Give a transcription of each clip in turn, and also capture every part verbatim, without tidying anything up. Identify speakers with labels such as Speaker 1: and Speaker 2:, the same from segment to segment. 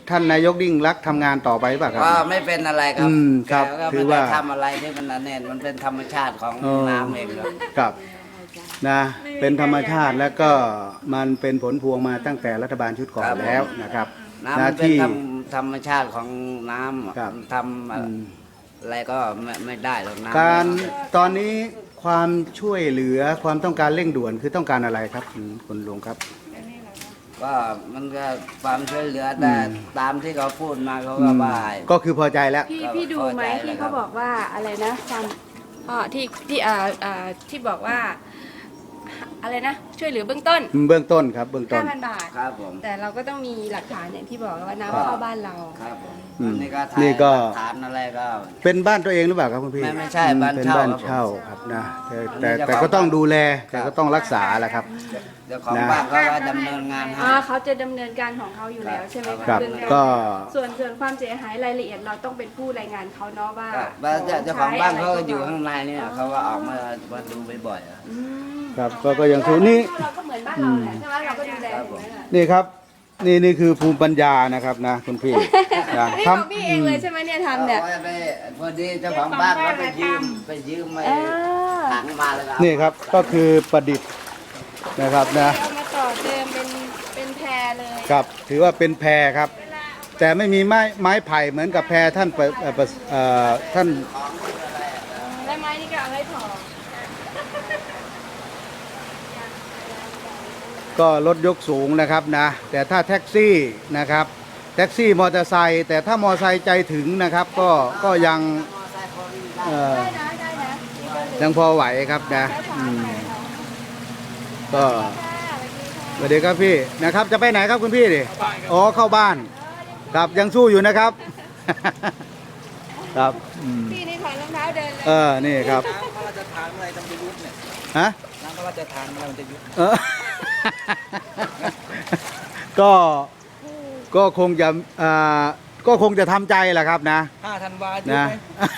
Speaker 1: ท่านนายกยิ่งรักษณ์ทำงานต่อไปหรือเปล่าครับ
Speaker 2: ก็ไม่เป็นอะไรครั
Speaker 1: อืมครับ
Speaker 2: แกก็
Speaker 1: ถื
Speaker 2: ไม่
Speaker 1: อ
Speaker 2: ได้
Speaker 1: ว่า
Speaker 2: ทำอะไรที่มันนั่นเองมันเป็นธรรมชาติของ
Speaker 1: เออ
Speaker 2: น้ำเองครับ
Speaker 1: ครับนะเป็นธรรมชาติแล้วก็มันเป็นผลพวงมาตั้งแต่รัฐบาลชุดก่อนแล้วนะครับ
Speaker 2: น้ำ
Speaker 1: นะ
Speaker 2: มันเป็น
Speaker 1: ที่
Speaker 2: ธรรมธรรมชาติของน้ำ
Speaker 1: ครับ
Speaker 2: ทำอะไรก็ไม่ไม่ได้หรอกน้ำ
Speaker 1: การตอนนี้ความช่วยเหลือความต้องการเร่งด่วนคือต้องการอะไรครับคุณคุณลุงครับ
Speaker 2: ก็มันก็ความช่วยเหลือแต่
Speaker 1: อืม
Speaker 2: ตามที่เขาพูดมาเขาก็ว่า
Speaker 1: ก็คือพอใจแล้ว
Speaker 3: พี่
Speaker 2: ก็
Speaker 3: พี่ดูไหม
Speaker 2: พอใจ
Speaker 3: ที่
Speaker 2: เลยครั
Speaker 3: เขา
Speaker 2: บ
Speaker 3: บอกว่าอะไรนะความอ๋อที่ที่อ่าอ่าที่บอกว่าอะไรนะ ช่วยเหลือเบื้องต้น
Speaker 1: เบื้องต้นครับเบื้องต้น
Speaker 3: ห้าพันบาท
Speaker 2: ครับผม
Speaker 3: แต่เราก็ต้องมีหลักฐานอย่างที่บอกว่า
Speaker 1: ครับ
Speaker 3: น้ำเข้าบ้านเรา
Speaker 2: ครับผม
Speaker 1: อืม
Speaker 2: อันนี่ก็ถ่าย
Speaker 1: นี่ก็
Speaker 2: หลักฐานอะไรก็
Speaker 1: เป็นบ้านตัวเองหรือเปล่าครับคุณพี่
Speaker 2: ไม่ไม่ใช่
Speaker 1: อื
Speaker 2: บ้าน
Speaker 1: เป็น
Speaker 2: เช่า
Speaker 1: บ้าน
Speaker 2: ครับผม
Speaker 1: เช่าครับนะแต่แต่
Speaker 2: อันนี้
Speaker 1: แต่
Speaker 2: เจ้าของ
Speaker 1: ก็ต้องดูแล
Speaker 2: ครั
Speaker 1: แต่
Speaker 2: บ
Speaker 1: ก็ต้องรักษาแหละครับ
Speaker 2: เจ้าของ
Speaker 1: นะ
Speaker 2: บ้านเขาก็ดำเนินงานให้
Speaker 3: อ๋อเขาจะดำเนินการของเขาอยู่แล้วใช่ไหม
Speaker 1: ครั
Speaker 3: คะ
Speaker 1: บ
Speaker 3: เรื่องการ
Speaker 1: ก็
Speaker 3: ส่วนส่วนความเสียหายรายละเอียดเราต้องเป็นผู้รายงานเขาเนาะว่า
Speaker 2: ครับว่าเจ้าเจ้าของบ้านเขาก็อยู่
Speaker 3: ใช้ะไร
Speaker 2: ข้างในเนี่ยเขาก็ออกมามาดูบ่อยๆอะ
Speaker 3: อืม
Speaker 1: ครับก็ก็ยังถือนี่
Speaker 3: เราก็เหมือนบ้านเราแหละใช่ไหมเราก็ดูแลถูกไหมล่ะ
Speaker 1: นี่ครับนี่นี่คือภูมิปัญญานะครับนะคุณพี่นะ
Speaker 3: นี่ของพี่เองเลยใช่ไหมเนี่ยทำเนี่ย
Speaker 2: อาไว้ไปพอดีเจ้าของบ้านเขาไปยืมไปยืมไป
Speaker 3: อ่า
Speaker 2: ถังมาแล้ว
Speaker 1: นี่ครับก็คือประดิษฐ์นะครับนะ
Speaker 3: เอามาต่อเติมเป็นเป็นแพรเลย
Speaker 1: ครับถือว่าเป็นแพรครับ แต่ไม่มีไม้ไม้ไผ่เหมือนกับแพรท่านเปิดเอ่อเปิดเอ่อท่าน
Speaker 3: และไม้นี่ก็เอาไว้ถอ
Speaker 1: ก็รถยกสูงนะครับนะแต่ถ้าแท็กซี่นะครับแท็กซี่มอเตอร์ไซค์แต่ถ้ามอเตอร์ไซค์ใจถึงนะครับก็ก็ยังเอ่อ
Speaker 3: ได้นะได้นะมีคนเหลือ
Speaker 1: ยังพอไหวครับนะอืมก็
Speaker 3: ค่ะสวัสดีค่ะ
Speaker 1: สวัสดีครับพี่นะครับจะไปไหนครับคุณพี่ดิอ๋อเข้าบ้านครับยังสู้อยู่นะครับ ครับอืม
Speaker 3: พี่นี่ถอดรองเท้าเดินเลย
Speaker 1: เออนี่ครับ
Speaker 2: น้ำพระราชทานอะไรต้องจะยุบเนี่ย
Speaker 1: ฮะ
Speaker 2: น้ำพระราชทานอะไรมันจะยุบ
Speaker 1: เออ ก็ก็คงจะอ่าก็คงจะทำใจแหละครับนะ
Speaker 2: ห้าธันวายุบ
Speaker 1: นะ
Speaker 2: ไหม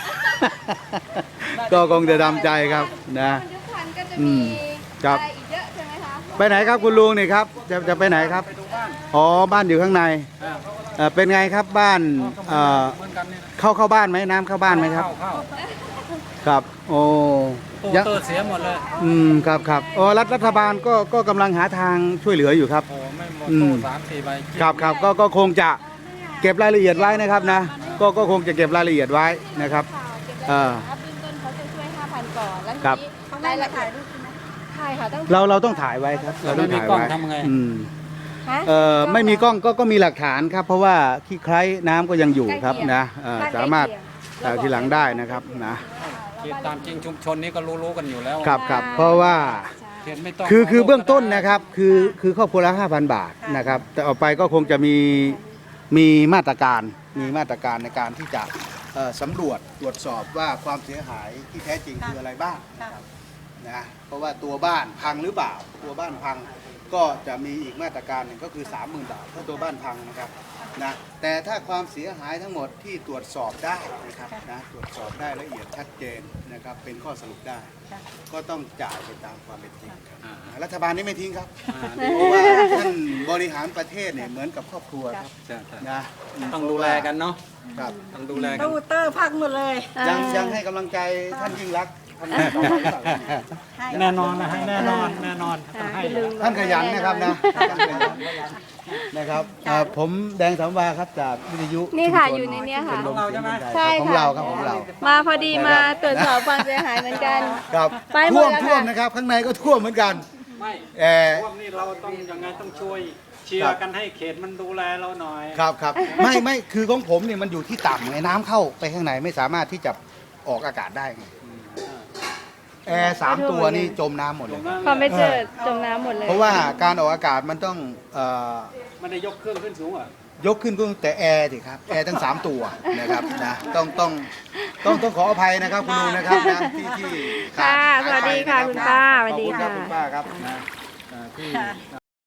Speaker 1: ก็คงจะทำใจครับนะ
Speaker 3: มันยุคพันก็จะ
Speaker 1: อื
Speaker 3: มี
Speaker 1: มครับ
Speaker 3: อะไรอีกเยอะใช่ไหมคะ
Speaker 1: ไปไหนครับคุณลุงนี่ครับจะจะไปไหนครับ
Speaker 2: ไปดูบ้าน
Speaker 1: อ๋อบ้านอยู่ข้างในเอ่อเป็นไงครับบ้านเอ่อ
Speaker 2: เหมือนกันเนี่ย
Speaker 1: เข้าเข้าบ้านไหมน้ำเข้าบ้านไหมครับ
Speaker 2: เข้าเข้า
Speaker 1: ครับโอ้
Speaker 2: โอ้
Speaker 1: ยัง
Speaker 2: เตอร์เสียหมดเลย
Speaker 1: อืมครับครับอ๋อรัฐรัฐบาลก็ก็กำลังหาทางช่วยเหลืออยู่ครับ
Speaker 2: โอ้ไม่หมด
Speaker 1: อืม
Speaker 2: โต้สามสี่ใบ
Speaker 1: ครับครับก็ก็คงจะเก็บรายละเอียดไว้นะครับนะก็ก็คงจะเก็บรายละเอียดไว้นะครับ
Speaker 3: ข่าว
Speaker 1: เออ
Speaker 3: เก็บรายละเอียดนะเบื้องต้นเขาจะช่วยห้าพันก่อนแล้วที
Speaker 1: ครับ
Speaker 3: นี้รายละเอียดถ่ายค่ะต้อง
Speaker 1: เราเราต้องถ่ายไว้ครับเราต้องถ่ายไว้อืม
Speaker 3: ฮะ
Speaker 1: เอ่อไม่มีกล้องก็ก็มีหลักฐานครับ เพราะว่าขี้ไคร้น้ำก็ยังอยู่ครับนะเอ่อสามารถถ่ายทีหลังได้นะครับนะ
Speaker 4: เขตตามจริงชุมชนนี้ก็รู้ๆกันอยู่แล้ว
Speaker 1: ครับครับเพราะว่า
Speaker 4: เขตไม่ต้อง
Speaker 1: คือคือ
Speaker 4: ขโทษ
Speaker 1: เบื้องต้น
Speaker 4: ก็ได้
Speaker 1: นะครับคือคือครอบครัวละห้าพันบาทนะครับแต่ออกไปก็คงจะมีมีมาตรการมีมาตรการในการที่จะเอ่อสำรวจตรวจสอบว่าความเสียหายที่แท้จริงคืออะไรบ้างนะครับนะเพราะว่าตัวบ้านพังหรือเปล่า ตัวบ้านพังก็จะมีอีกมาตรการหนึ่งก็คือ สามหมื่น บาทถ้าตัวบ้านพังนะครับนะแต่ถ้าความเสียหายทั้งหมดที่ตรวจสอบได้นะครับนะตรวจสอบได้ละเอียดชัดเจนนะครับเป็นข้อสรุปได้ ก็ต้องจ่ายไปตามความเป็นจริงครับ
Speaker 4: อ่า
Speaker 1: รัฐบาลนี่ไม่ทิ้งครับ
Speaker 4: อ่า
Speaker 1: เพราะว่าท่านบริหารประเทศเนี่ยเหมือนกับครอบครัวครับ
Speaker 4: ใช่ใช่
Speaker 1: นะ
Speaker 4: ต้องดูแลกันเนาะ
Speaker 1: ครับ
Speaker 4: ต้องดูแลกัน
Speaker 5: ตู้เตอร์พังหมดเลย
Speaker 1: ยังยังให้กำลังใจท่านยิ่งรักษณ์ทำงานต่อไปหรือเปล่า
Speaker 4: แน่นอนนะให้แน่นอนแน่นอนต้องให้
Speaker 1: ท่านขยันนะครับนะท่านขยันนะครับอ่าผมแดงสามวาครับจากวิทยุ
Speaker 3: นี่ค่ะ
Speaker 1: ชุมช
Speaker 3: อยู่ในเนี้ยค่ะ
Speaker 1: ชมรมเสียงคนไทย
Speaker 3: ใช่
Speaker 1: ของ
Speaker 3: ค่ะ
Speaker 1: เราครับของเรา
Speaker 3: มาพอดีมาตรวจสอบความเสียหายเหมือนกัน
Speaker 1: ครับ
Speaker 3: ไปหม
Speaker 1: ท่ว
Speaker 3: ด
Speaker 1: ม
Speaker 3: แล้ว
Speaker 1: ท่วม
Speaker 3: ค่ะ
Speaker 1: นะครับข้างในก็ท่วมเหมือนกัน
Speaker 4: ไม่
Speaker 1: เออ
Speaker 4: พวกนี้เราต้องยังไงต้องช่วยเชีย
Speaker 1: ครั
Speaker 4: ร์
Speaker 1: บ
Speaker 4: กันให้เขตมันดูแลเราหน่อย
Speaker 1: ครับครับไม่ไม่คือของผมเนี่ยมันอยู่ที่ต่ำไงน้ำเข้าไปข้างในไม่สามารถที่จะออกอากาศได้ไงแอร์สามตัวนี่จมน้ำหมดเลย
Speaker 3: พอไม่เจอจมน้ำหมดเลย
Speaker 1: เพราะว่าการออกอากาศมันต้องเอ่อ
Speaker 4: ไม่ได้ยกเครื่องขึ้นสูงอ่ะ
Speaker 1: ยกขึ้นก็แต่แอร์สิครับแอร์ทั้งสามตัวนะครับนะต้องต้องต้องต้องขออภัยนะครับคุณลุงนะครับนะที่ที่ขา
Speaker 3: ค่ะ
Speaker 1: ด
Speaker 3: สวัสดี
Speaker 1: หายไป
Speaker 3: ค่ะ
Speaker 1: นรับ
Speaker 3: คุณป้าสวัสดี
Speaker 1: ขอบณรับ
Speaker 3: ค่ะ
Speaker 1: คุณป้าครับนะอ่าที่อ่า